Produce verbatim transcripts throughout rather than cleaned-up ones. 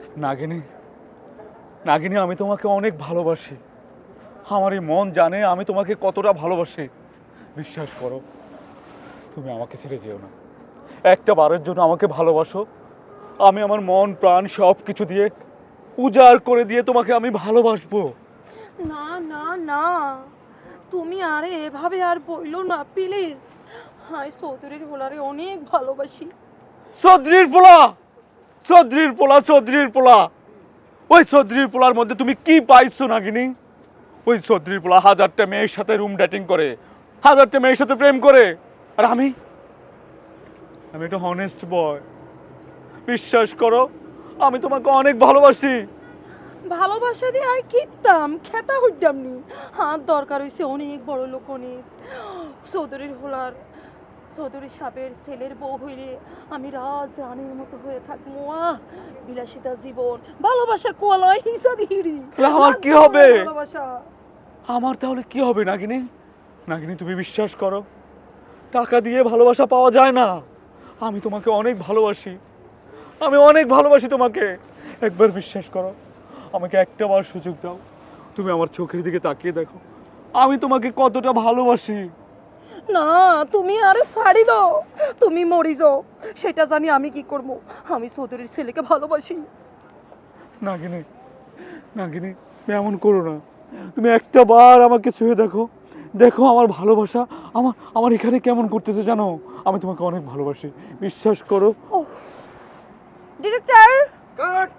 নাগিনী, নাগিনী, আমি তোমাকে অনেক ভালোবাসি। আমার এই মন জানে আমি তোমাকে কতটা ভালোবাসি। বিশ্বাস করো, তুমি আমাকে ছেড়ে যেও না। একটা বারের জন্য আমাকে ভালোবাসো। আমি আমার মন প্রাণ সব কিছু দিয়ে উজাড় করে দিয়ে তোমাকে আমি ভালোবাসবো। না না না, তুমি আরে এভাবে আর বইলো না প্লিজ। হাই চৌধুরীর হোলারে অনেক ভালোবাসি। চৌধুরীর পোলা, চৌধুরীর পোলা, চৌধুরীর পোলা। ওই চৌধুরীর পোলার মধ্যে তুমি কি পাইছো নাগিনী? ওই চৌধুরীর পোলা হাজারটা মেয়ের সাথে রুম ডেটিং করে, হাজারটা মেয়ের সাথে প্রেম করে, আর আমি আমি একটা হনেস্ট বয়। বিশ্বাস করো, আমি তোমাকে অনেক ভালোবাসি। ভালোবাসা দিয়ে আর কিতাম খেতা হইতাম নি। হাত দরকার হইছে অনেক বড় লোক, অনেক চৌধুরীর হোলার চৌধুরী সাহেবের ছেলের বউ হইলে আমি রাজ রানীর মতো হয়ে থাকবো। আহ বিলাসিতা জীবন, ভালোবাসার কোয়ালয় হিসাদি হিড়ি। তাহলে আমার কি হবে? ভালোবাসা আমার তাহলে কি হবে নাগিনী? নাগিনী, তুমি বিশ্বাস করো, টাকা দিয়ে ভালোবাসা পাওয়া যায় না। আমি তোমাকে অনেক ভালোবাসি, আমি অনেক ভালোবাসি তোমাকে। একবার বিশ্বাস করো, আমাকে একটা বার সুযোগ দাও। তুমি আমার চোখের দিকে তাকিয়ে দেখো, আমি তোমাকে কতটা ভালোবাসি। না, তুমি আরে ছাড়ি দাও, তুমি মরি যাও, সেটা জানি আমি কি করবো। আমি চৌধুরীর ছেলেকে ভালোবাসি। নাগিনী, নাগিনী, তুমি এমন করো না। তুমি একটা বার আমাকে ছুঁয়ে দেখো, দেখো আমার ভালোবাসা আমার আমার এখানে কেমন করতেছে জানো। আমি তোমাকে অনেক ভালোবাসি, বিশ্বাস করো। Director, cut.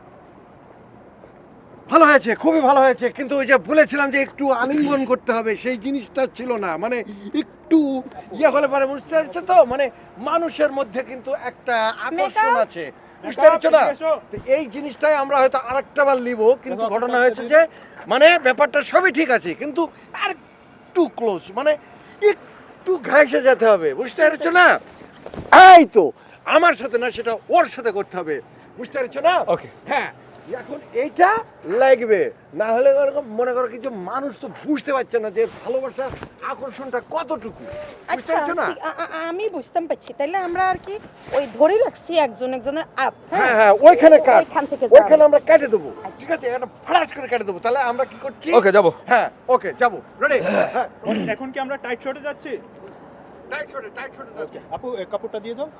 ভালো হয়েছে, খুবই ভালো হয়েছে, কিন্তু ওই যে বলেছিলাম যে একটু আলিঙ্গন করতে হবে, সেই জিনিসটা ছিল না। মানে একটু ইয়ে হলে পরে বুঝতে পারছো তো, মানে মানুষের মধ্যে কিন্তু একটা আকর্ষণ আছে, বুঝতে পারছো না? তো এই জিনিসটাই আমরা হয়তো আরেকটা বার নিব, কিন্তু ঘটনা হয়েছে যে মানে ব্যাপারটা সবই ঠিক আছে, কিন্তু আর একটু ক্লোজ, মানে একটু ঘাইসে যেতে হবে, বুঝতে পারছো না? এই তো আমার সাথে না, সেটা ওর সাথে করতে হবে, বুঝতে পারছো না? ওকে। হ্যাঁ, এখন এইটা লাগবে, না হলে ওরকম মনে করো কিছু মানুষ তো বুঝতে পারছে না যে ভালোবাসার আকর্ষণটা কতটুকু, বুঝতে আচ্ছা পারছো না? ঠিক- আ- আ- আমি বুঝতাম পারছি, তাইলে আমরা আর কি ওই ধরে রাখছি একজন একজনের আপ। হ্যাঁ হ্যাঁ, ওইখানে কাট, ওইখান থেকে যাবো। ওইখানে আমরা কেটে দেবো, ঠিক আছে? এটা ফ্লাশ করে কেটে দেবো। তাহলে আমরা কি করছি? ওকে, যাবো। হ্যাঁ, ওকে, যাবো, রেডি? হ্যাঁ, এখন কি আমরা টাইট শটে যাচ্ছি? টাইট শটে, টাইট শটে যাচ্ছে। আপু এই কাপড়টা দিয়ে দাও।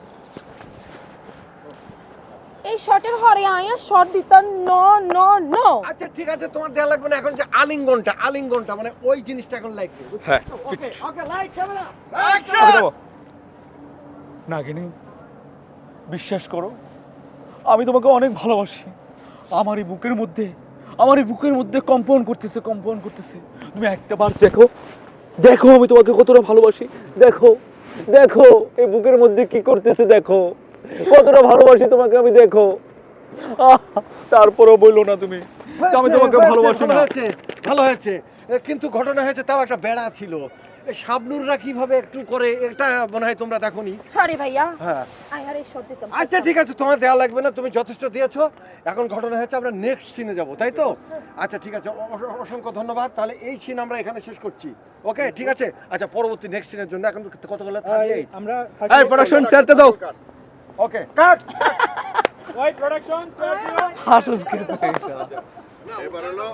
এই শর্টের হরে আয়া শর্ট দিতাম নো নো নো। আচ্ছা ঠিক আছে, তোমার দেয়া লাগবে না। এখন যে আলিঙ্গনটা, আলিঙ্গনটা মানে ওই জিনিসটা এখন লাগবে। হ্যাঁ, okay okay, light camera okay, action. যাবো। নাগিনী, বিশ্বাস করো, আমি তোমাকে অনেক ভালোবাসি। আমার এই বুকের মধ্যে আমার এই বুকের মধ্যে কম্পন করতেছে, কম্পন করতেছে। তুমি একটা বার দেখো, দেখো আমি তোমাকে কতটা ভালোবাসি। দেখো, দেখো এই বুকের মধ্যে কি করতেছে, দেখো কতটা ভালোবাসি তোমাকে আমি, দেখো। আহ, তারপরেও বললো না তুমি যে আমি তোমাকে হয়েছে, ভালোবাসি ভালো না। হয়েছে, ভালো হয়েছে। এ, কিন্তু ঘটনা হয়েছে, তাও একটা বেড়া ছিল। এই শাবনুররা কিভাবে একটু করে, এটা মনে হয় তোমরা দেখোনি। সরি ভাইয়া, হ্যাঁ, আয়ার এই শর্ট দিতাম। আচ্ছা ঠিক আছে, তোমার দেওয়া লাগবে না, তুমি যথেষ্ট দিয়েছো। এখন ঘটনা হয়েছে আমরা নেক্সট সিনে যাব, তাই তো? আচ্ছা ঠিক আছে, অ- অ- অসংখ্য ধন্যবাদ। তাহলে এই সিন আমরা এখানে শেষ করছি। ওকে ঠিক আছে। আচ্ছা, পরবর্তী নেক্সট সিনের জন্য এখন কতগুলো থাকে? আমরা এই প্রোডাকশন চেয়ারটা দাও। ওকে, কাট। ওই প্রোডাকশন হাসুস কিন্তু